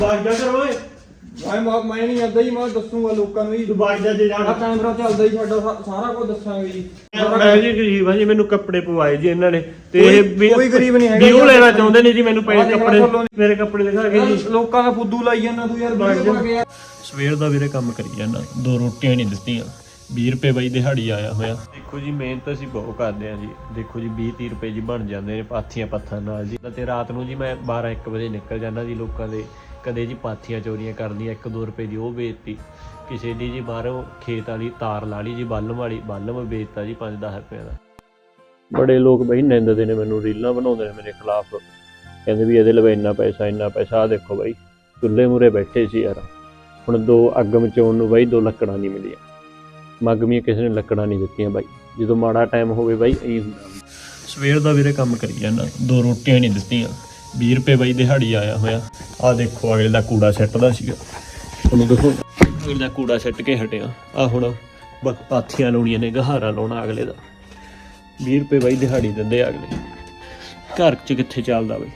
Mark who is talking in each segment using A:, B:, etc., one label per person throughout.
A: ਬਾਜਦਾ ਕਰ ਓਏ
B: ਮੈਂ ਨਹੀਂ ਆਂਦਾ ਜੀ, ਮੈਂ ਦੱਸੂਗਾ ਲੋਕਾਂ ਨੂੰ ਜੀ।
A: ਤੂੰ ਬਾਜਦਾ ਜੇ ਜਾਣਾ
B: ਕੈਮਰਾ ਚੱਲਦਾ ਜੀ ਸਾਡਾ, ਸਾਰਾ ਕੁਝ ਦੱਸਾਂਗੇ ਜੀ।
A: ਮੈਂ ਜੀ ਗਰੀਬ ਆ ਜੀ, ਮੈਨੂੰ ਕੱਪੜੇ ਪਵਾਏ ਜੀ ਇਹਨਾਂ ਨੇ ਤੇ
B: ਕੋਈ ਗਰੀਬ ਨਹੀਂ ਹੈਗਾ
A: ਵੀ ਉਹ ਲੈਣਾ ਚਾਹੁੰਦੇ ਨੇ ਜੀ ਮੈਨੂੰ ਪੈਸੇ ਕੱਪੜੇ, ਮੇਰੇ ਕੱਪੜੇ ਦਿਖਾ ਕੇ ਜੀ।
B: ਲੋਕਾਂ ਦਾ ਫੁੱਦੂ ਲਾਈ ਜਾਂਦਾ ਤੂੰ ਯਾਰ, ਵੀਡੀਓ ਬਣਾ ਕੇ ਯਾਰ।
A: ਸਵੇਰ ਦਾ ਵੀਰੇ ਕੰਮ ਕਰੀ ਜਾਂਦਾ, 2 ਰੋਟੀਆਂ ਨਹੀਂ ਦਿੱਤੀਆਂ। 20 ਰੁਪਏ ਬਾਈ ਦਿਹਾੜੀ ਆਇਆ ਹੋਇਆ। ਦੇਖੋ ਜੀ ਮਿਹਨਤ ਅਸੀਂ ਬਹੁਤ ਕਰਦੇ ਆ ਜੀ। ਦੇਖੋ ਜੀ 20-30 ਰੁਪਏ ਜੀ ਬਣ ਜਾਂਦੇ ਨੇ ਪਾਥੀਆਂ ਪੱਥਾਂ ਨਾਲ ਜੀ। ਤੇ ਰਾਤ ਨੂੰ ਜੀ ਮੈਂ 12-1 ਵਜੇ ਨਿਕਲ ਜਾਂਦਾ ਜੀ ਲੋਕਾਂ ਦੇ। ਕਦੇ ਜੀ ਪਾਥੀਆਂ ਚੋਰੀਆਂ ਕਰਦੀਆਂ, 1-2 ਰੁਪਏ ਦੀ ਉਹ ਵੇਚਤੀ। ਕਿਸੇ ਦੀ ਜੀ ਬਾਹਰੋਂ ਖੇਤ ਵਾਲੀ ਤਾਰ ਲਾ ਲਈ ਜੀ, ਬਾਲਮ ਵਾਲੀ, ਬਾਲਮ ਵੇਚਤਾ ਜੀ 5-10 ਰੁਪਏ ਦਾ। ਬੜੇ ਲੋਕ ਬਈ ਨਿੰਦਦੇ ਨੇ ਮੈਨੂੰ, ਰੀਲਾਂ ਬਣਾਉਂਦੇ ਨੇ ਮੇਰੇ ਖਿਲਾਫ, ਕਹਿੰਦੇ ਵੀ ਇਹਦੇ ਲਵੇ ਇੰਨਾ ਪੈਸਾ। ਆਹ ਦੇਖੋ ਬਾਈ ਚੁੱਲ੍ਹੇ ਮੂਹਰੇ ਬੈਠੇ ਸੀ ਯਾਰ, ਹੁਣ 2 ਅੱਗ ਮਚਾਉਣ ਨੂੰ ਬਾਈ 2 ਲੱਕੜਾਂ ਨਹੀਂ ਮਿਲੀਆਂ। ਮੱਗਵੀਆਂ ਕਿਸੇ ਨੇ ਲੱਕੜਾਂ ਨਹੀਂ ਦਿੱਤੀਆਂ ਬਾਈ। ਜਦੋਂ ਮਾੜਾ ਟਾਈਮ ਹੋਵੇ ਬਾਈ ਇਹੀ ਹੁੰਦਾ। ਸਵੇਰ ਦਾ ਵੀਰੇ ਕੰਮ ਕਰੀ ਜਾਂਦਾ, 2 ਰੋਟੀਆਂ ਨਹੀਂ ਦਿੱਤੀਆਂ। 20 ਰੁਪਏ ਬਾਈ ਦਿਹਾੜੀ ਆਇਆ ਹੋਇਆ। ਆਹ ਦੇਖੋ ਅਗਲੇ ਦਾ ਕੂੜਾ ਸਿੱਟਦਾ ਸੀਗਾ, ਤੁਹਾਨੂੰ ਦੇਖੋ ਅਗਲੇ ਦਾ ਕੂੜਾ ਸਿੱਟ ਕੇ ਹਟਿਆ। ਆਹ ਹੁਣ ਪਾਥੀਆਂ ਲਾਉਣੀਆਂ ਨੇ, ਗਹਾਰਾ ਲਾਉਣਾ ਅਗਲੇ ਦਾ। 20 ਰੁਪਏ ਬਾਈ ਦਿਹਾੜੀ ਦਿੰਦੇ ਅਗਲੇ। ਘਰ 'ਚ ਕਿੱਥੇ ਚੱਲਦਾ ਬਾਈ,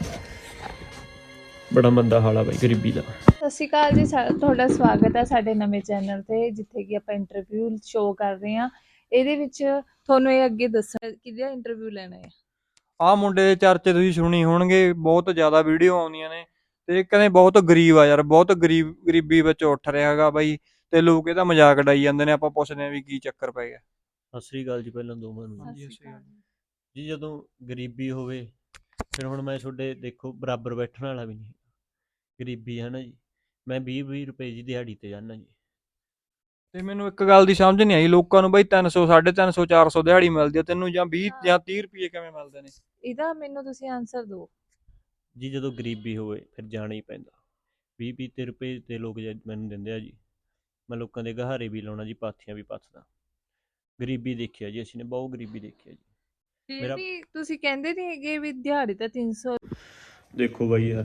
A: ਬੜਾ ਮੰਦਾ ਹਾਲ ਆ ਬਾਈ ਗਰੀਬੀ ਦਾ।
C: ਸਤਿ ਸ਼੍ਰੀ ਅਕਾਲ ਜੀ, ਤੁਹਾਡਾ ਸਵਾਗਤ ਹੈ ਸਾਡੇ ਨਵੇਂ ਚੈਨਲ ਤੇ, ਜਿੱਥੇ ਕਿ ਆਪਾਂ ਇੰਟਰਵਿਊ ਸ਼ੋਅ ਕਰ ਰਹੇ ਹਾਂ। ਇਹਦੇ ਵਿੱਚ ਤੁਹਾਨੂੰ ਇਹ ਅੱਗੇ ਦੱਸਣਾ ਕਿਹਦਾ ਇੰਟਰਵਿਊ ਲੈਣਾ ਹੈ।
B: ਆਹ ਮੁੰਡੇ ਦੇ ਚਰਚੇ ਤੁਸੀਂ ਸੁਣੀ ਹੋਣਗੇ, ਬਹੁਤ ਜ਼ਿਆਦਾ ਵੀਡੀਓ ਆਉਂਦੀਆਂ ਨੇ ਤੇ ਕਹਿੰਦੇ ਬਹੁਤ ਗਰੀਬ ਆ ਯਾਰ, ਬਹੁਤ ਗਰੀਬੀ ਵਿੱਚ ਉੱਠ ਰਿਹਾ ਹੈਗਾ ਬਾਈ, ਤੇ ਲੋਕ ਇਹਦਾ ਮਜ਼ਾਕ ਉਡਾਈ ਜਾਂਦੇ ਨੇ। ਆਪਾਂ ਪੁੱਛਦੇ ਹਾਂ ਵੀ ਕੀ ਚੱਕਰ ਪੈ ਗਿਆ।
A: ਸਤਿ ਸ੍ਰੀ ਅਕਾਲ ਜੀ ਪਹਿਲਾਂ ਦੋਵਾਂ ਨੂੰ ਜੀ। ਜਦੋਂ ਗਰੀਬੀ ਹੋਵੇ ਫਿਰ ਹੁਣ ਮੈਂ ਤੁਹਾਡੇ ਦੇਖੋ ਬਰਾਬਰ ਬੈਠਣ ਵਾਲਾ ਵੀ ਨਹੀਂ, ਗਰੀਬੀ ਹੈ ਨਾ ਜੀ। ਮੈਂ 20 ਰੁਪਏ ਜੀ ਦਿਹਾੜੀ ਤੇ ਜਾਂਦਾ ਜੀ।
B: ਤੇ ਮੈਨੂੰ ਇੱਕ ਗੱਲ ਦੀ ਸਮਝ ਨਹੀਂ ਆਈ, ਲੋਕਾਂ ਨੂੰ ਬਾਈ 300, 350, 400 ਦਿਹਾੜੀ ਮਿਲਦੀ ਆ, ਤੈਨੂੰ ਜਾਂ 20 ਜਾਂ 30 ਰੁਪਏ ਕਿਵੇਂ ਮਿਲਦੇ ਨੇ?
C: ਇਹਦਾ ਮੈਨੂੰ ਤੁਸੀਂ ਆਨਸਰ ਦਿਓ
A: ਜੀ। ਜਦੋਂ ਗਰੀਬੀ ਹੋਵੇ ਫਿਰ ਜਾਣਾ ਹੀ ਪੈਂਦਾ। 20-30 ਰੁਪਏ ਤੇ ਲੋਕ ਮੈਨੂੰ ਦਿੰਦੇ ਆ ਜੀ। ਮੈਂ ਲੋਕਾਂ ਦੇ ਗਹਾਰੇ ਵੀ ਲਾਉਣਾ ਜੀ, ਪਾਥੀਆਂ ਵੀ ਪੱਥਦਾ। ਗਰੀਬੀ ਦੇਖਿਆ ਜੀ ਅਸੀਂ ਨੇ, ਬਹੁਤ ਗਰੀਬੀ ਦੇਖਿਆ ਜੀ।
C: ਫਿਰ ਵੀ ਤੁਸੀਂ ਕਹਿੰਦੇ ਨਹੀਂ ਹੈਗੇ ਵੀ ਦਿਹਾੜੀ ਤਾਂ 300।
A: ਦੇਖੋ ਬਾਈ ਯਾਰ,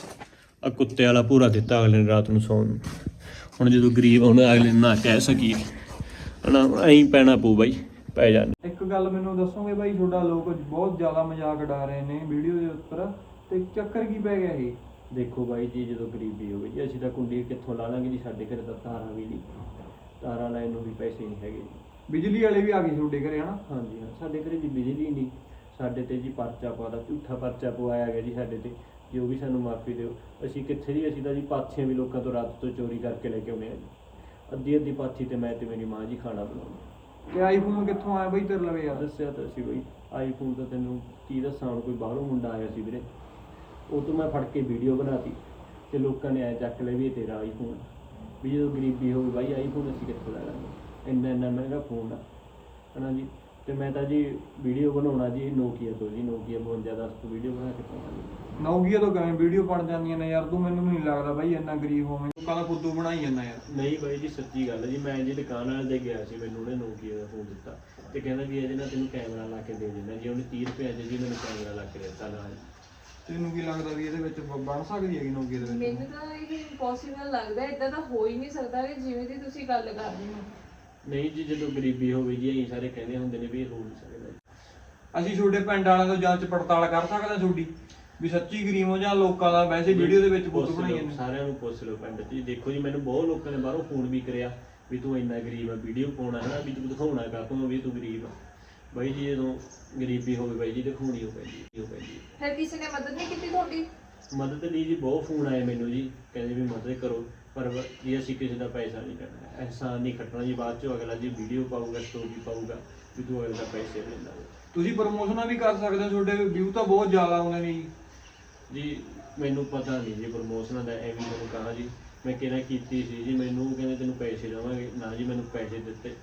A: ਆ ਕੁੱਤੇ ਵਾਲਾ ਪੂਰਾ ਦਿੱਤਾ ਅਗਲੇ ਨੇ ਰਾਤ ਨੂੰ ਸੌਣ ਨੂੰ। ਹੁਣ ਜਦੋਂ ਗਰੀਬ ਹੁਣ ਅਗਲੇ ਨਾ ਕਹਿ ਸਕੀਏ ਹਨਾ, ਐਂ ਪੈਣਾ ਪਊ ਬਾਈ, ਪੈ ਜਾਂਦੇ।
B: ਇੱਕ ਗੱਲ ਮੈਨੂੰ ਦੱਸੋਗੇ ਬਾਈ, ਤੁਹਾਡਾ ਲੋਕ ਬਹੁਤ ਜ਼ਿਆਦਾ ਮਜ਼ਾਕ ਉਡਾ ਰਹੇ ਨੇ ਵੀਡੀਓ ਦੇ ਉੱਪਰ, ਤੇ ਚੱਕਰ ਕੀ ਪੈ ਗਿਆ ਇਹ?
A: ਦੇਖੋ ਬਾਈ ਜੀ, ਜਦੋਂ ਗਰੀਬੀ ਹੋਵੇ ਜੀ ਅਸੀਂ ਤਾਂ ਕੁੰਡੀ ਕਿੱਥੋਂ ਲਾ ਲਾਂਗੇ ਜੀ। ਸਾਡੇ ਘਰੇ ਤਾਂ ਤਾਰਾਂ ਵੀ ਨਹੀਂ, ਤਾਰਾਂ ਲੈਣ ਨੂੰ ਵੀ ਪੈਸੇ ਨਹੀਂ ਹੈਗੇ ਜੀ।
B: ਬਿਜਲੀ ਵਾਲੇ ਵੀ ਆ ਗਏ ਤੁਹਾਡੇ ਘਰੇ ਹਨਾ?
A: ਹਾਂਜੀ ਹਾਂ, ਸਾਡੇ ਘਰੇ ਜੀ ਬਿਜਲੀ ਨਹੀਂ। ਸਾਡੇ ਤੇ ਜੀ ਪਰਚਾ ਪਾਦਾ, ਝੂਠਾ ਪਰਚਾ ਪਵਾਇਆ ਗਿਆ ਜੀ ਸਾਡੇ ਤੇ, ਜੋ ਵੀ ਸਾਨੂੰ ਮਾਫੀ ਦਿਓ। ਅਸੀਂ ਕਿੱਥੇ ਜੀ, ਅਸੀਂ ਤਾਂ ਜੀ ਪਾਥੀਆਂ ਵੀ ਲੋਕਾਂ ਤੋਂ ਰਾਤ ਤੋਂ ਚੋਰੀ ਕਰਕੇ ਲੈ ਕੇ ਆਉਂਦੇ ਹਾਂ ਜੀ। ਅੱਧੀ ਪਾਥੀ ਤੇ ਮੈਂ ਤੇ ਮੇਰੀ ਮਾਂ ਜੀ ਖਾਣਾ ਬਣਾਉਂਦੇ।
B: ਤੇ ਆਈਫੋਨ ਕਿੱਥੋਂ ਆਇਆ ਬਾਈ ਤੇਰੇ ਲਵੇ ਯਾਰ?
A: ਦੱਸਿਆ ਤਾਂ ਸੀ ਬਾਈ, ਆਈਫੋਨ ਤਾਂ ਤੈਨੂੰ ਕੀ ਦੱਸਾਂ ਹੁਣ, ਕੋਈ ਬਾਹਰੋਂ ਮੁੰਡਾ ਆਇਆ ਸੀ ਵੀਰੇ, ਉਹ ਤੋਂ ਮੈਂ ਫੜ ਕੇ ਵੀਡੀਓ ਬਣਾਤੀ ਤੇ ਲੋਕਾਂ ਨੇ ਐ ਚੱਕ ਲਿਆ ਵੀ ਇਹ ਤੇਰਾ ਆਈਫੋਨ। ਵੀ ਜਦੋਂ ਗਰੀਬੀ ਹੋਵੇ ਬਾਈ ਆਈਫੋਨ ਅਸੀਂ ਕਿੱਥੋਂ ਲੈ ਲਾਂਗੇ, ਇੰਨਾ ਮਹਿੰਗਾ ਫੋਨ ਆ ਹਨਾ ਜੀ। ਤੇ ਮੈਂ ਤਾਂ ਜੀ ਵੀਡੀਓ ਬਣਾਉਣਾ ਜੀ ਨੋਕੀਆ ਤੋਂ ਜੀ, ਨੋਕੀਆ 5210 ਤੋਂ ਵੀਡੀਓ ਬਣਾ ਕੇ ਪਾਉਣਾ ਜੀ।
B: ਨੌਕੀਆ ਤੋਂ ਕਿਵੇਂ ਵੀਡੀਓ ਬਣ ਜਾਂਦੀਆਂ ਨੇ ਯਾਰ? ਤੂੰ ਮੈਨੂੰ ਨਹੀਂ ਲੱਗਦਾ ਬਾਈ ਇੰਨਾ ਗਰੀਬ ਹੋਵੇਂ, ਲੋਕਾਂ ਦਾ ਫੁੱਦੂ ਬਣਾਈ ਜਾਂਦਾ ਯਾਰ।
A: ਨਹੀਂ ਬਾਈ ਜੀ ਸੱਚੀ ਗੱਲ ਹੈ ਜੀ। ਮੈਂ ਜੀ ਦੁਕਾਨ ਵਾਲੇ ਦੇ ਗਿਆ ਸੀ, ਮੈਨੂੰ ਉਹਨੇ ਨੋਕੀਆ ਦਾ ਫੋਨ ਦਿੱਤਾ ਤੇ ਕਹਿੰਦਾ ਵੀ ਇਹਦੇ ਨਾਲ ਤੈਨੂੰ ਕੈਮਰਾ ਲਾ ਕੇ ਦੇ ਦਿੰਦਾ ਜੀ। ਉਹਨੇ 30 ਰੁਪਏ ਜੀ ਮੈਨੂੰ ਕੈਮਰਾ ਲਾ ਕੇ ਦਿੱਤਾ ਨਾਲ।
B: ਤੈਨੂੰ ਕੀ ਲੱਗਦਾ ਵੀ ਇਹਦੇ ਵਿੱਚ ਬਣ ਸਕਦੀ ਹੈਗੀ ਨੌਕੀਆ ਦੇ ਵਿੱਚ?
C: ਮੈਨੂੰ ਤਾਂ ਇਹ ਇੰਪੋਸੀਬਲ ਲੱਗਦਾ, ਇਦਾਂ ਤਾਂ ਹੋ ਹੀ ਨਹੀਂ ਸਕਦਾ ਕਿ ਜਿਵੇਂ ਦੀ ਤੁਸੀਂ ਗੱਲ ਕਰ ਰਹੇ ਹੋ।
A: ਨਹੀਂ ਜੀ, ਜਦੋਂ ਗਰੀਬੀ ਹੋਵੇ ਜੀ ਅਸੀਂ ਸਾਰੇ ਕਹਿੰਦੇ ਹੁੰਦੇ ਨੇ ਵੀ ਇਹ ਹੋ ਨਹੀਂ ਸਕਦਾ।
B: ਅਸੀਂ ਤੁਹਾਡੇ ਪਿੰਡ ਵਾਲਿਆਂ ਤੋਂ ਜਾਂਚ ਪੜਤਾਲ ਕਰ ਸਕਦੇ ਹਾਂ ਤੁਹਾਡੀ, ਵੀ ਸੱਚੀ ਗਰੀਬ ਹੋ ਜਾਂ ਲੋਕਾਂ ਦਾ ਵੈਸੇ ਵੀਡੀਓ ਦੇ ਵਿੱਚ ਫੋਟੋ ਬਣਾਈ ਜਾਂਦੇ?
A: ਸਾਰਿਆਂ ਨੂੰ ਪੁੱਛ ਲਓ ਪਿੰਡ 'ਚ। ਦੇਖੋ ਜੀ ਮੈਨੂੰ ਬਹੁਤ ਲੋਕਾਂ ਨੇ ਬਾਹਰੋਂ ਫੋਨ ਵੀ ਕਰਿਆ ਵੀ ਤੂੰ ਇੰਨਾ ਗਰੀਬ ਆ, ਵੀਡੀਓ ਪਾਉਣਾ ਹੈ ਨਾ, ਵੀ ਤੂੰ ਦਿਖਾਉਣਾ ਕਾਹਤੋਂ ਵੀ ਤੂੰ ਗਰੀਬ ਆ। ਬਾਈ ਜੀ ਜਦੋਂ ਗਰੀਬੀ ਹੋਵੇ ਬਾਈ ਜੀ ਦਿਖਾਉਣੀ ਹੋ ਪੈਂਦੀ।
C: ਫਿਰ ਕਿਸੇ ਨੇ ਮਦਦ ਨਹੀਂ ਕੀਤੀ ਤੁਹਾਡੀ?
A: ਮਦਦ ਲਈ ਜੀ ਬਹੁਤ ਫੋਨ ਆਏ ਮੈਨੂੰ ਜੀ, ਕਹਿੰਦੇ ਵੀ ਮਦਦ ਕਰੋ, ਪਰ ਜੀ ਅਸੀਂ ਕਿਸੇ ਦਾ ਪੈਸਾ ਨਹੀਂ ਕੱਢਣਾ, ਅਹਿਸਾਨ ਨਹੀਂ ਖੱਟਣਾ ਜੀ। ਬਾਅਦ 'ਚੋਂ ਅਗਲਾ ਜੀ ਵੀਡੀਓ ਪਾਊਗਾ, ਸਟੋਰੀ ਪਾਊਗਾ ਵੀ ਤੂੰ ਅਗਲੇ ਦਾ ਪੈਸੇ ਲੈਂਦਾ।
B: ਤੁਸੀਂ ਪ੍ਰਮੋਸ਼ਨਾਂ ਵੀ ਕਰ ਸਕਦੇ ਹੋ, ਤੁਹਾਡੇ ਵਿਊ ਤਾਂ ਬਹੁਤ ਜ਼ਿਆਦਾ ਆਉਂਦੇ ਨੇ
A: ਜੀ। ਮੈਨੂੰ ਪਤਾ ਨਹੀਂ ਜੀ ਪ੍ਰਮੋਸ਼ਨਾਂ ਦਾ, ਐਵੇਂ ਮੈਨੂੰ ਕਹਾ ਜੀ। ਮੈਂ ਕਿਹੜਾ ਕੀਤੀ ਸੀ ਜੀ, ਮੈਨੂੰ ਕਹਿੰਦੇ ਤੈਨੂੰ ਪੈਸੇ ਦੇਵਾਂਗੇ ਨਾ ਜੀ, ਮੈਨੂੰ ਪੈਸੇ ਦਿੱਤੇ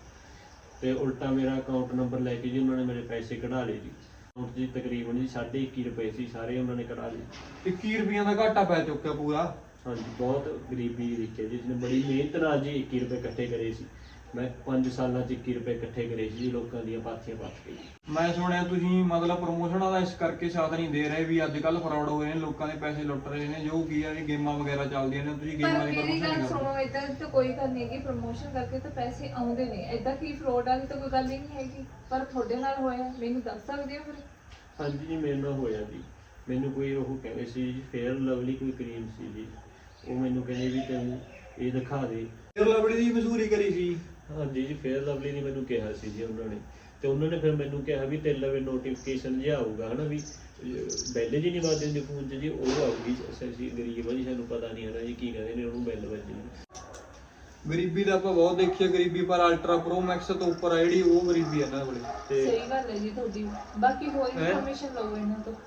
A: ਤੇ ਉਲਟਾ ਮੇਰਾ ਅਕਾਊਂਟ ਨੰਬਰ ਲੈ ਕੇ ਜੀ ਉਹਨਾਂ ਨੇ ਮੇਰੇ ਪੈਸੇ ਕਢਾ ਲਏ ਜੀ। ਅਕਾਊਂਟ 'ਚ ਤਕਰੀਬਨ ਜੀ 21.5 ਰੁਪਏ ਸੀ, ਸਾਰੇ ਉਹਨਾਂ ਨੇ ਕਢਾ ਲਏ।
B: 21 ਰੁਪਈਆਂ ਦਾ ਘਾਟਾ ਪੈ ਚੁੱਕਿਆ ਪੂਰਾ।
A: ਹਾਂਜੀ ਬਹੁਤ ਗਰੀਬੀ ਦੇਖੀ ਜੀ, ਜਿਸਨੇ ਬੜੀ ਮਿਹਨਤ ਨਾਲ ਜੀ 21 ਰੁਪਏ ਇਕੱਠੇ ਕਰੇ ਸੀ। ਮੈਂ 5 ਸਾਲਾਂ 'ਚ 21 ਰੁਪਏ ਇਕੱਠੇ ਕਰੇ ਸੀ ਜੀ, ਲੋਕਾਂ ਦੀਆਂ ਪਾਥੀਆਂ ਪੱਥ ਕੇ।
B: ਮੈਂ ਸੁਣਿਆ ਤੁਸੀਂ ਮਤਲਬ ਪ੍ਰਮੋਸ਼ਨਾਂ ਦਾ ਇਸ ਕਰਕੇ ਸਾਥ ਨਹੀਂ ਦੇ ਰਹੇ ਵੀ ਅੱਜ ਕੱਲ੍ਹ ਫਰਾਡ ਹੋ ਰਹੇ ਨੇ, ਲੋਕਾਂ ਦੇ ਪੈਸੇ ਲੁੱਟ ਰਹੇ ਨੇ, ਜੋ ਕੀ ਆ ਇਹ ਗੇਮਾਂ ਵਗੈਰਾ ਚੱਲਦੀਆਂ ਨੇ, ਤੁਸੀਂ ਗੇਮਾਂ ਦੀ ਪ੍ਰਮੋਸ਼ਨ ਨਹੀਂ ਕਰਦੇ।
C: ਸੁਣੋ, ਇਦਾਂ ਤਾਂ ਕੋਈ ਗੱਲ ਨਹੀਂ ਹੈਗੀ, ਪ੍ਰਮੋਸ਼ਨ ਕਰਕੇ ਤਾਂ ਪੈਸੇ ਆਉਂਦੇ ਨੇ, ਇਦਾਂ ਕੀ ਫਰੋਡ ਵਾਲੀ ਤਾਂ ਕੋਈ ਗੱਲ ਹੀ ਨਹੀਂ ਹੈਗੀ। ਪਰ ਤੁਹਾਡੇ ਨਾਲ ਹੋਇਆ, ਮੈਨੂੰ ਦੱਸ ਸਕਦੇ ਹੋ ਫਿਰ?
A: ਹਾਂਜੀ ਜੀ ਮੇਰੇ ਨਾਲ ਹੋਇਆ ਜੀ। ਮੈਨੂੰ ਕੋਈ ਉਹ ਕਹਿੰਦੇ ਸੀ ਜੀ ਫੇਅਰ ਲਵਲੀ ਕੋਈ ਕਰੀਮ ਸੀ ਜੀ, ਉਹ ਮੈਨੂੰ ਕਹਿੰਦੇ ਵੀ ਤੈਨੂੰ ਇਹ ਦਿਖਾ ਦੇ।
B: ਫਿਰ ਲਵਲੀ ਦੀ ਮਸ਼ਹੂਰੀ ਕਰੀ ਸੀ।
A: ਹਾਂਜੀ ਜੀ, ਫੇਅਰ ਲਵਲੀ ਨੇ ਮੈਨੂੰ ਕਿਹਾ ਸੀ ਜੀ ਉਹਨਾਂ ਨੇ, ਤੇ ਉਹਨਾਂ ਨੇ ਫਿਰ ਮੈਨੂੰ ਕਿਹਾ ਵੀ ਤੇਰੇ ਲਵੇ ਨੋਟੀਫਿਕੇਸ਼ਨ ਜਿਹਾ ਆਊਗਾ ਹਨਾ, ਵੀ ਬੈਲ ਜੀ ਨਹੀਂ ਵੱਜਦੀ ਹੁੰਦੀ ਫੋਨ 'ਚ ਜੀ, ਉਹ ਆਊਗੀ। ਅਸੀਂ ਗਰੀਬ ਆ ਜੀ, ਸਾਨੂੰ ਪਤਾ ਨਹੀਂ ਹੈ ਨਾ ਜੀ ਕੀ ਕਹਿੰਦੇ ਨੇ ਉਹਨੂੰ ਬੈਲ ਵੱਜਣੀ।
B: ਗਰੀਬੀ ਤਾਂ ਆਪਾਂ ਬਹੁਤ ਦੇਖੀ ਹੈ, ਗਰੀਬੀ ਪਰ ਅਲਟਰਾ ਪ੍ਰੋ ਮੈਕਸ ਤੋਂ ਉੱਪਰ ਆ ਜਿਹੜੀ, ਉਹ ਗਰੀਬੀ ਹੈ ਇਹਨਾਂ ਕੋਲੇ।
A: ਤੇ
C: ਸਹੀ ਗੱਲ ਹੈ ਜੀ ਤੁਹਾਡੀ। ਬਾਕੀ ਹੋਰ ਇਨਫੋਰਮੇਸ਼ਨ ਲਓ ਇਹਨਾਂ ਤੋਂ।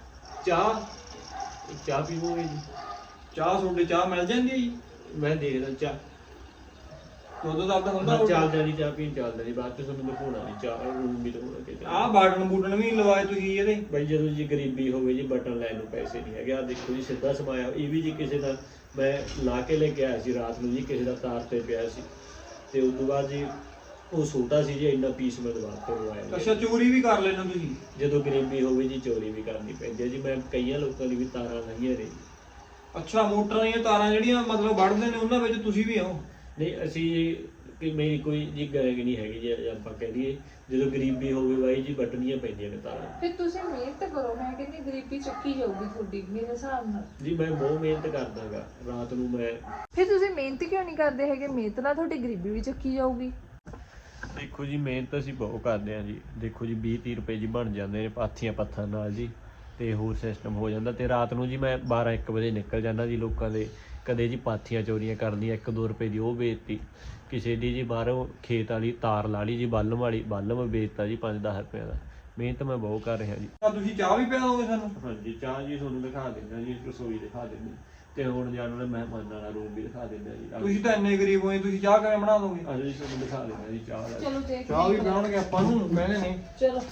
A: ਚਾਹ ਪੀਵੋਗੇ ਜੀ?
B: ਚਾਹ ਤੁਹਾਡੇ ਚਾਹ ਮਿਲ ਜਾਂਦੀ ਹੈ ਜੀ?
A: ਮੈਂ ਦੇਖਦਾ ਚਾਹ
B: ਦੁੱਧ ਦਾ ਤਾਂ ਹੁੰਦਾ
A: ਚੱਲਦਾ ਨਹੀਂ, ਚਾਹ ਪੀਣ ਚੱਲਦਾ ਨਹੀਂ, ਬਾਅਦ ਚ ਤੁਹਾਨੂੰ ਦਿਖਾਉਣਾ ਨਹੀਂ ਚਾਹ ਰੂਮ ਵੀ ਦਿਖਾਉਣਾ ਕਿ
B: ਆਹ ਬਾਟਨ ਬੂਟਨ ਵੀ ਲਵਾਏ ਤੁਸੀਂ ਇਹਦੇ।
A: ਬਾਈ ਜਦੋਂ ਜੀ ਗਰੀਬੀ ਹੋਵੇ ਜੀ, ਬਟਨ ਲੈਣ ਨੂੰ ਪੈਸੇ ਨਹੀਂ ਹੈਗੇ। ਆ ਦੇਖੋ ਜੀ ਸਿੱਧਾ ਸਮਾਇਆ, ਇਹ ਵੀ ਜੀ ਕਿਸੇ ਦਾ ਮੈਂ ਲਾ ਕੇ ਲੈ ਕੇ ਆਇਆ ਸੀ ਰਾਤ ਨੂੰ ਜੀ, ਕਿਸੇ ਦਾ ਤਾਰ ਤੇ ਪਿਆ ਸੀ, ਤੇ ਉਸ ਤੋਂ ਬਾਅਦ ਜੀ ਉਹ ਛੋਟਾ ਸੀ ਜੀ, ਇੰਨਾ ਪੀਸ ਮੈਂ ਦਵਾ ਕੇ ਲਵਾਇਆ।
B: ਅੱਛਾ, ਚੋਰੀ ਵੀ ਕਰ ਲੈਣਾ ਤੁਸੀਂ?
A: ਜਦੋਂ ਗਰੀਬੀ ਹੋਵੇ ਜੀ ਚੋਰੀ ਵੀ ਕਰਨੀ ਪੈਂਦੀ ਹੈ ਜੀ। ਮੈਂ ਕਈਆਂ ਲੋਕਾਂ ਦੀ ਵੀ ਤਾਰਾਂ ਲਾਈਆਂ ਨੇ।
B: ਅੱਛਾ, ਮੋਟਰਾਂ ਦੀਆਂ ਤਾਰਾਂ ਜਿਹੜੀਆਂ ਮਤਲਬ ਵੱਢਦੇ ਨੇ ਉਹਨਾਂ ਵਿੱਚ ਤੁਸੀਂ ਵੀ ਆਓ?
A: ਨਹੀਂ, ਅਸੀਂ ਕਿ ਮੇਰੀ ਕੋਈ ਜੀ ਗੈਂਗ ਨਹੀਂ ਹੈਗੀ ਜੀ, ਆਪਾਂ ਕਹਿ ਦਈਏ ਜਦੋਂ ਗਰੀਬੀ ਹੋਵੇ ਬਾਈ ਜੀ ਵੱਟਣੀਆਂ ਪੈਂਦੀਆਂ ਨੇ ਤਾਰਾਂ।
C: ਫਿਰ ਤੁਸੀਂ ਮਿਹਨਤ ਕਰੋ, ਮੈਂ ਕਹਿੰਦੀ ਗਰੀਬੀ ਚੱਕੀ ਜਾਊਗੀ ਤੁਹਾਡੀ ਮੇਰੇ ਹਿਸਾਬ ਨਾਲ।
A: ਜੀ ਮੈਂ ਬਹੁਤ ਮਿਹਨਤ ਕਰਦਾਗਾ ਰਾਤ ਨੂੰ। ਮੈਂ
C: ਫਿਰ ਤੁਸੀਂ ਮਿਹਨਤ ਕਿਉਂ ਨਹੀਂ ਕਰਦੇ ਹੈਗੇ? ਮਿਹਨਤ ਨਾਲ ਤੁਹਾਡੀ ਗਰੀਬੀ ਵੀ ਚੱਕੀ ਜਾਊਗੀ।
A: ਦੇਖੋ ਜੀ, ਮਿਹਨਤ ਅਸੀਂ ਬਹੁਤ ਕਰਦੇ ਹਾਂ ਜੀ। ਦੇਖੋ ਜੀ 20-30 ਰੁਪਏ ਜੀ ਬਣ ਜਾਂਦੇ ਨੇ ਪਾਥੀਆਂ ਪੱਥਰ ਨਾਲ ਜੀ, ਤੇ ਹੋਰ ਸਿਸਟਮ ਹੋ ਜਾਂਦਾ। ਤੇ ਰਾਤ ਨੂੰ ਜੀ ਮੈਂ 12-1 ਵਜੇ ਨਿਕਲ ਜਾਂਦਾ ਜੀ ਲੋਕਾਂ ਦੇ, ਕਦੇ ਜੀ ਪਾਥੀਆਂ ਚੋਰੀਆਂ ਕਰਨੀਆਂ, 1-2 ਰੁਪਏ ਦੀ ਉਹ ਵੇਚਤੀ, ਕਿਸੇ ਦੀ ਜੀ ਬਾਹਰੋਂ ਖੇਤ ਵਾਲੀ ਤਾਰ ਲਾ ਲਈ ਜੀ, ਬਾਲਮ ਵੇਚਤਾ ਜੀ 5-10 ਰੁਪਏ ਦਾ। ਮਿਹਨਤ ਮੈਂ ਬਹੁਤ ਕਰ ਰਿਹਾ ਜੀ।
B: ਤੁਸੀਂ ਚਾਹ ਵੀ ਪਿਆਓਗੇ ਸਾਨੂੰ?
A: ਹਾਂਜੀ, ਚਾਹ ਜੀ ਤੁਹਾਨੂੰ ਦਿਖਾ ਦਿੰਦਾ ਜੀ, ਰਸੋਈ ਦਿਖਾ ਦਿੰਦੇ, ਤੇ ਹੁਣ ਜਾਣ ਵਾਲੇ ਮਹਿਮਾਨਾਂ ਵਾਲਾ ਰੂਮ ਵੀ ਦਿਖਾ ਦਿੰਦਾ ਜੀ।
B: ਤੁਸੀਂ ਤਾਂ ਇੰਨੇ ਗਰੀਬ ਹੋਏ, ਤੁਸੀਂ ਚਾਹ ਕਿਵੇਂ ਬਣਾ ਦੋਗੇ?
A: ਅੱਜ ਜੀ ਤੁਹਾਨੂੰ ਦਿਖਾ ਦਿੰਦਾ ਜੀ ਚਾਹ ਦਾ।
C: ਚਲੋ ਦੇਖ
B: ਚਾਹ ਵੀ ਪਿਆਉਣਗੇ ਆਪਾਂ ਨੂੰ, ਕਹਿੰਦੇ ਨੇ।
C: ਚਲੋ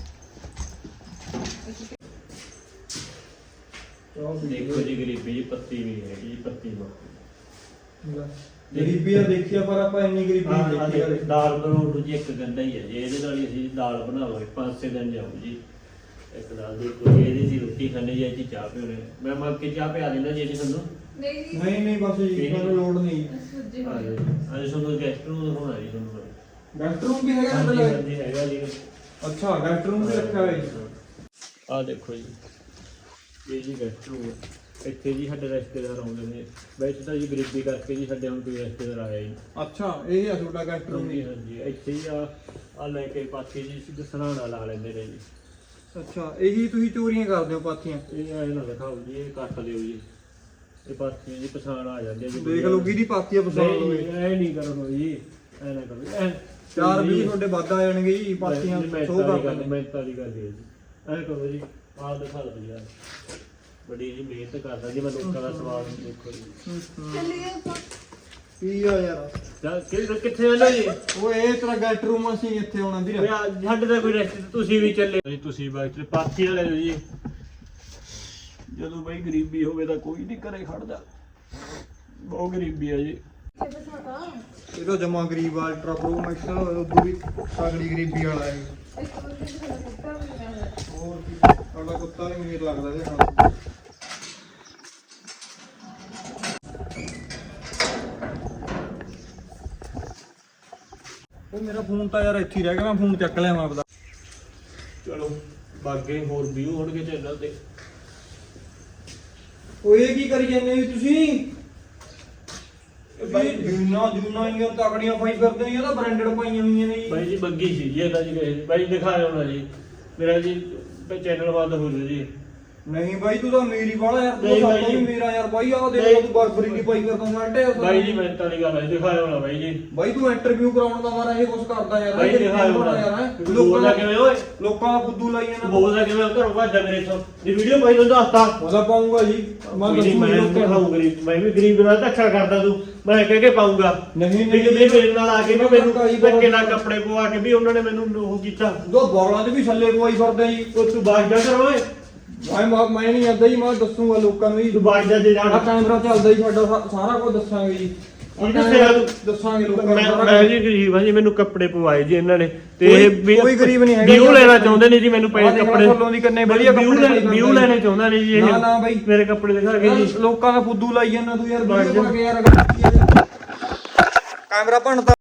A: ਦੇਖੋ ਜੀ ਗਰੀਬੀ ਜੀ, ਪੱਤੀ ਵੀ ਹੈਗੀ ਜੀ, ਪੱਤੀ ਮਾ
B: ਗਰੀਬੀ ਆ ਦੇਖੀ ਆ, ਪਰ ਆਪਾਂ ਇੰਨੀ ਗਰੀਬੀ ਨਹੀਂ ਦੇਖੀ ਕਦੇ।
A: ਦਾਲ ਬਣਾਉਣ ਨੂੰ ਜੀ ਇੱਕ ਗੰਢਾ ਹੀ ਹੈ ਜੀ, ਇਹਦੇ ਨਾਲ ਹੀ ਅਸੀਂ ਦਾਲ ਬਣਾਵਾਂਗੇ 5-6 ਦਿਨ ਜਾਊ ਜੀ। ਇੱਕ ਦਾਲ ਦੀ ਕੋਈ ਇਹਦੀ ਦੀ ਰੋਟੀ ਖਾਣੇ ਜੀ, ਇਹਦੀ ਚਾਹ ਪੀਣੇ। ਮੈਂ ਮੱਗ ਕੇ ਚਾਹ ਪਿਆ ਦਿੰਦਾ ਜੀ ਤੁਹਾਨੂੰ।
B: ਨਹੀਂ ਬਸ ਜੀ, ਮੈਨੂੰ ਲੋੜ ਨਹੀਂ।
A: ਅੱਜ ਤੁਹਾਨੂੰ ਗੈਸਟ ਰੂਮ ਦਿਖਾਉਣਾ ਜੀ ਤੁਹਾਨੂੰ।
B: ਗੈਸਟ ਰੂਮ ਵੀ ਹੈਗਾ
A: ਹਾਂਜੀ
B: ਤੁਹਾਡੇ?
A: ਹਾਂਜੀ ਹੈਗਾ ਜੀ।
B: ਅੱਛਾ, ਗੈਸਟ ਰੂਮ ਵੀ ਰੱਖਿਆ ਹੋਇਆ ਜੀ।
A: ਆਹ ਦੇਖੋ ਜੀ, ਇਹ ਜੀ ਗੈਸਟ ਰੂਮ ਹੈ। ਇੱਥੇ ਜੀ ਸਾਡੇ ਰਿਸ਼ਤੇਦਾਰ ਆਉਂਦੇ ਨੇ। ਵੈਸੇ ਤਾਂ ਜੀ ਗਰੀਬੀ ਕਰਕੇ ਜੀ ਸਾਡੇ ਹੁਣ ਕੋਈ ਰਿਸ਼ਤੇਦਾਰ ਆਇਆ ਹੀ।
B: ਅੱਛਾ, ਇਹ ਆ ਤੁਹਾਡਾ ਗੈਸਟ ਰੂਮ?
A: ਹਾਂਜੀ ਹਾਂਜੀ, ਇੱਥੇ ਹੀ ਆ ਲੈ ਕੇ ਪਾਥੀ ਜੀ ਸਿੱਧ ਸਰਾਣਾ ਲਾ ਲੈਂਦੇ ਨੇ ਜੀ।
B: ਅੱਛਾ, ਇਹੀ ਤੁਸੀਂ ਚੋਰੀਆਂ ਕਰਦੇ ਹੋ ਪਾਥੀਆਂ?
A: ਇਹ ਐ ਨਾ ਦਿਖਾਓ ਜੀ, ਇਹ ਕੱਟ ਦਿਓ ਜੀ। ਇਹ ਪਾਥੀਆਂ ਜੀ ਪਛਾਣ ਆ ਜਾਂਦੀ ਹੈ ਜੀ।
B: ਦੇਖ ਲਓ ਕਿਹਦੀ ਪਾਥੀ ਆ ਪਸੰਦ ਹੋਵੇ।
A: ਐ ਨਹੀਂ ਕਰੋ ਜੀ, ਐ ਨਾ ਕਰੋ। ਐ
B: 4-20 ਤੁਹਾਡੇ ਵੱਧ ਆ ਜਾਣਗੇ ਜੀ ਪਾਥੀਆਂ ਸ਼ੋਅ ਕਰਦੇ।
A: ਮਿਹਨਤਾਂ ਦੀ ਗੱਲ ਹੈ ਜੀ। ਐ ਕਰੋ ਜੀ, ਆਹ ਦਿਖਾ ਦਿਓ ਯਾਰ, ਬੜੀ ਜੀ ਮਿਹਨਤ ਕਰਦਾ ਜੀ ਮੈਂ, ਲੋਕਾਂ ਦਾ ਸਵਾਲ ਦੇਖੋ ਜੀ।
C: ਚੱਲੀਏ ਆਪਾਂ।
B: ਕੀ ਆ ਯਾਰ,
A: ਕਿੱਥੇ ਆਣਾ ਜੀ?
B: ਉਹ ਇਹ ਤੇਰਾ ਗੈਸਟ ਰੂਮ ਅਸੀਂ ਇੱਥੇ ਆਉਣਾ ਵੀਰ।
A: ਸਾਡੇ ਦਾ ਕੋਈ ਰੈਸਟ, ਤੁਸੀਂ ਵੀ ਚੱਲੇ ਤੁਸੀਂ ਬਾਅਦ ਪਾਥੀ ਲੈ ਲਓ ਜੀ। ਜਦੋਂ ਬਈ ਗਰੀਬੀ ਹੋਵੇ ਤਾਂ ਕੋਈ ਨਹੀਂ ਘਰੇ ਖੜਦਾ, ਬਹੁਤ ਗਰੀਬੀ ਆ ਜੀ।
B: ਇਹ ਤਾਂ ਜਮਾ ਗਰੀਬ ਆ, ਅਲਟਰਾ ਪ੍ਰੋ ਮੈਕਸ ਉਦੋਂ ਵੀ ਤਗੜੀ ਗਰੀਬੀ ਵਾਲਾ ਹੈ। ਹੋਰ ਕੀ, ਸਾਡਾ ਕੁੱਤਾ ਵੀ ਮੇਰ ਲੱਗਦਾ ਇਹਦੇ ਨਾਲ। ਉਹ ਮੇਰਾ ਫੋਨ ਤਾਂ ਯਾਰ ਇੱਥੇ ਹੀ ਰਹਿ ਗਿਆ, ਮੈਂ ਫੋਨ ਚੱਕ ਲਿਆ ਆਪਦਾ।
A: ਚਲੋ ਬਾਗੇ ਹੋਰ ਵਿਊ ਹੋਣਗੇ ਚੈਨਲ ਤੇ।
B: ਉਹ ਇਹ ਕੀ ਕਰੀ ਜਾਂਦੇ ਜੀ ਤੁਸੀਂ? ਬਾਈ ਜੂਨਾ ਇੰਨੀਆਂ ਤਕੜੀਆਂ ਪਾਈ ਫਿਰਦੇ ਨੇ, ਇਹ ਤਾਂ ਬ੍ਰਾਂਡਡ ਪਾਈਆਂ ਹੋਈਆਂ ਨੇ ਜੀ।
A: ਬਾਈ ਜੀ ਬੱਗੀ ਸੀ ਜੀ ਇਹਦਾ ਜੀ, ਕਹੇ ਬਾਈ ਦਿਖਾਇਆ ਹੋਣਾ ਜੀ ਮੇਰਾ ਜੀ ਚੈਨਲ ਬੰਦ ਹੋ ਜੂ ਜੀ।
B: ਨਹੀਂ ਬਾਈ, ਤੂੰ ਤਾਂ ਮੇਰੀ ਵਾਲਾ ਯਾਰ, ਤੂੰ
A: ਨਹੀਂ
B: ਤਾਂ
A: ਬਾਈ
B: ਸਾਡਾ
A: ਜੀ।
B: ਵੀ ਮੇਰਾ ਯਾਰ ਬਾਈ। ਆਹ ਦੇਖ ਤੂੰ ਬਰਬਰੀ ਦੀ ਪਾਈ ਫਿਰਦਾ ਸਾਡੇ।
A: ਬਾਈ ਜੀ ਮਿਹਨਤ ਵਾਲੀ ਗੱਲ ਹੈ, ਦਿਖਾਇਆ ਹੋਣਾ ਬਾਈ ਜੀ।
B: ਬਾਈ ਤੂੰ ਇੰਟਰਵਿਊ ਕਰਾਉਣ ਦਾ ਮਾਰਾ ਇਹ ਕੁਝ ਕਰਦਾ ਯਾਰ।
A: ਬਾਈ ਦਿਖਾਇਆ ਹੋਣਾ
B: ਯਾਰ,
A: ਲੋਕਾਂ ਕਿਵੇਂ ਓਏ,
B: ਲੋਕਾਂ ਦਾ ਫੁੱਦੂ ਲਾਈ ਜਾਂਦਾ।
A: ਬੋਲਦਾ ਕਿਵੇਂ ਘਰੋਂ ਭੱਜਦਾ ਮੇਰੇ ਤੋਂ ਜੀ। ਵੀਡੀਓ ਪਾਈ ਤੁਹਾਨੂੰ ਦੱਸਤਾ
B: ਉਹਦਾ ਪਾਉਂਗਾ ਜੀ, ਮੈਂ
A: ਦਿਖਾਊਂ ਗਰੀਬ, ਮੈਂ ਵੀ ਗਰੀਬ ਨਾਲ ਧੱਕਾ ਕਰਦਾ ਤੂੰ, ਮੈਂ ਕਹਿ ਕੇ ਪਾਉਂਗਾ।
B: ਨਹੀਂ
A: ਮੇਰੇ ਨਾਲ ਆ ਕੇ ਵੀ ਮੈਨੂੰ ਧੱਕੇ ਨਾਲ ਕੱਪੜੇ ਪਵਾ ਕੇ ਵੀ ਉਹਨਾਂ ਨੇ ਮੈਨੂੰ ਉਹ ਕੀਤਾ।
B: ਦੋ ਬੋਲਾਂ 'ਚ ਵੀ ਛੱਲੇ ਪਵਾਈ ਫਿਰਦਾ ਜੀ।
A: ਉਹ ਤੂੰ ਬਾਜ ਜਾ ਕਰ ਓਏ,
B: ਮੈਂ ਨਹੀਂ ਆਦਾ ਜੀ, ਮੈਂ ਦੱਸੂਗਾ ਲੋਕਾਂ ਨੂੰ ਜੀ।
A: ਤੂੰ ਬਾਜ ਜਾ ਜੇ ਜਾਣ।
B: ਆਹ ਕੈਮਰਾ ਚੱਲਦਾ ਜੀ ਸਾਡਾ, ਸਾਰਾ ਕੁਝ ਦੱਸਾਂਗੇ ਜੀ। ਦੱਸਾਂਗੇ ਲੋਕਾਂ ਨੂੰ।
A: ਮੈਂ ਜੀ ਗਰੀਬ ਹਾਂ ਜੀ, ਮੈਨੂੰ ਕੱਪੜੇ ਪਵਾਏ ਜੀ ਇਹਨਾਂ ਨੇ, ਤੇ ਇਹ
B: ਕੋਈ ਗਰੀਬ ਨਹੀਂ ਹੈਗਾ।
A: ਵਿਊ ਲੈਣਾ ਚਾਹੁੰਦੇ ਨੇ ਜੀ, ਮੈਨੂੰ ਪਏ ਕੱਪੜੇ
B: ਫੁੱਲੋਂ ਦੀ ਕੰਨੇ ਵਧੀਆ
A: ਵਿਊ ਲੈਣੇ ਚਾਹੁੰਦਾ ਨੇ ਜੀ ਇਹ।
B: ਨਾ ਬਾਈ,
A: ਮੇਰੇ ਕੱਪੜੇ ਦਿਖਾ ਕੇ ਜੀ।
B: ਲੋਕਾਂ ਦਾ ਫੁੱਦੂ ਲਾਈ ਜਾਂਦਾ ਤੂੰ ਯਾਰ। ਵੀਡੀਓ ਬਣਾ ਕੇ ਯਾਰ ਕੈਮਰਾ ਭੰਨਤਾ।